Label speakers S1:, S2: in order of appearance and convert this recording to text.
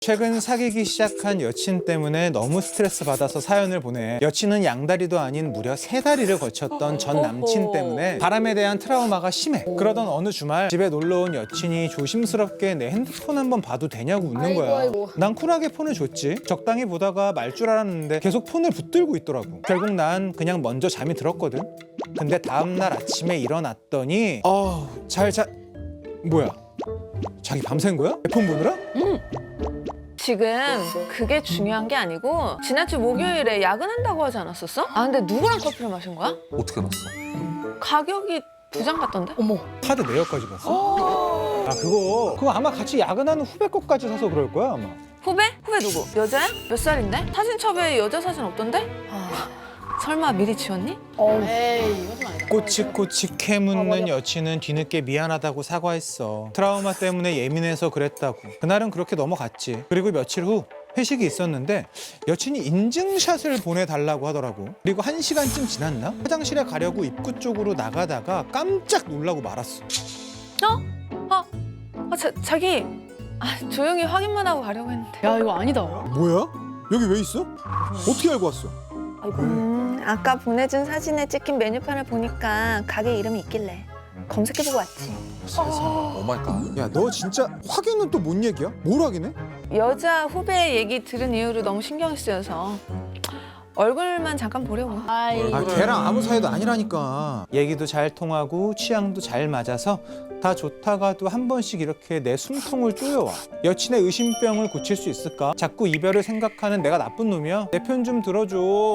S1: 최근 사귀기 시작한 여친 때문에 너무 스트레스 받아서 사연을 보내. 여친은 양다리도 아닌 무려 3다리를 거쳤던 전 남친 때문에 바람에 대한 트라우마가 심해. 그러던 어느 주말 집에 놀러온 여친이 조심스럽게 내 핸드폰 한번 봐도 되냐고 묻는 거야.
S2: 아이고.
S1: 난 쿨하게 폰을 줬지. 적당히 보다가 말 줄 알았는데 계속 폰을 붙들고 있더라고. 결국 난 그냥 먼저 잠이 들었거든. 근데 다음날 아침에 일어났더니 뭐야? 자기 밤샌 거야? 내 폰 보느라?
S3: 지금 그게 중요한 게 아니고 지난주 목요일에 야근한다고 하지 않았었어? 아 근데 누구랑 커피를 마신 거야?
S4: 어떻게 알았어?
S3: 가격이 2장 같던데?
S2: 어머.
S1: 카드 내역까지 봤어? 아 그거 아마 같이 야근하는 후배 것까지 사서 그럴 거야 아마.
S3: 후배? 후배 누구? 여자야? 몇 살인데? 사진첩에 여자 사진 없던데? 설마 미리 지웠니?
S2: 에이, 이거 좀 아니다.
S1: 꼬치꼬치 캐묻는
S2: 맞아.
S1: 여친은 뒤늦게 미안하다고 사과했어. 트라우마 때문에 예민해서 그랬다고. 그날은 그렇게 넘어갔지. 그리고 며칠 후 회식이 있었는데 여친이 인증샷을 보내달라고 하더라고. 그리고 1시간쯤 지났나? 화장실에 가려고 입구 쪽으로 나가다가 깜짝 놀라고 말았어.
S3: 자기 조용히 확인만 하고 가려고 했는데.
S2: 야, 이거 아니다.
S1: 뭐야? 여기 왜 있어? 어떻게 알고 왔어?
S3: 아까 보내준 사진에 찍힌 메뉴판을 보니까 가게 이름이 있길래 검색해보고 왔지.
S4: 오 마이 갓.
S1: 야 너 진짜 확인은 또 뭔 얘기야? 뭘 확인해?
S3: 여자 후배 얘기 들은 이후로 너무 신경이 쓰여서 얼굴만 잠깐 보려고.
S2: 아이.
S1: 아 걔랑 아무 사이도 아니라니까. 얘기도 잘 통하고 취향도 잘 맞아서 다 좋다가도 한 번씩 이렇게 내 숨통을 쪼여와. 여친의 의심병을 고칠 수 있을까? 자꾸 이별을 생각하는 내가 나쁜 놈이야? 내 편 좀 들어줘.